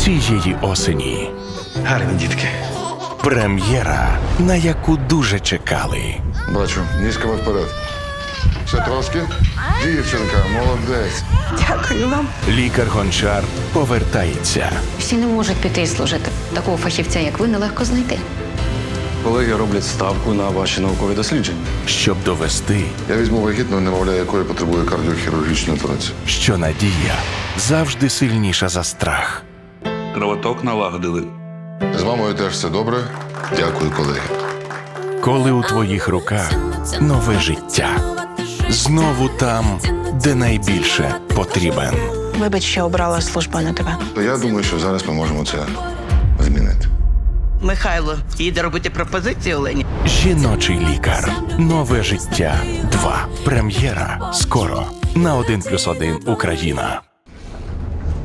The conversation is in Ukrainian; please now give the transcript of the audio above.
цієї осені. Гарні дітки. Прем'єра, на яку дуже чекали. Бачу, ніжками вперед. Ще трошки. Дівчинка, молодець. Дякую вам. Лікар-гончар повертається. Всі не можуть піти і служити. Такого фахівця, як ви, нелегко знайти. Колеги роблять ставку на ваші наукові дослідження. Щоб довести, Я візьму вагітну, немовля якої потребує кардіохірургічної операції. що надія завжди сильніша за страх. Кровоток налагодили. З мамою теж все добре. Дякую, колеги. Коли у твоїх руках нове життя. Знову там, де найбільше потрібен. Вибач, що обрала службу на тебе. То я думаю, що зараз ми можемо це змінити. Михайло їде робити пропозицію Олені. Жіночий лікар. Нове життя 2. Прем'єра скоро на 1+1 Україна.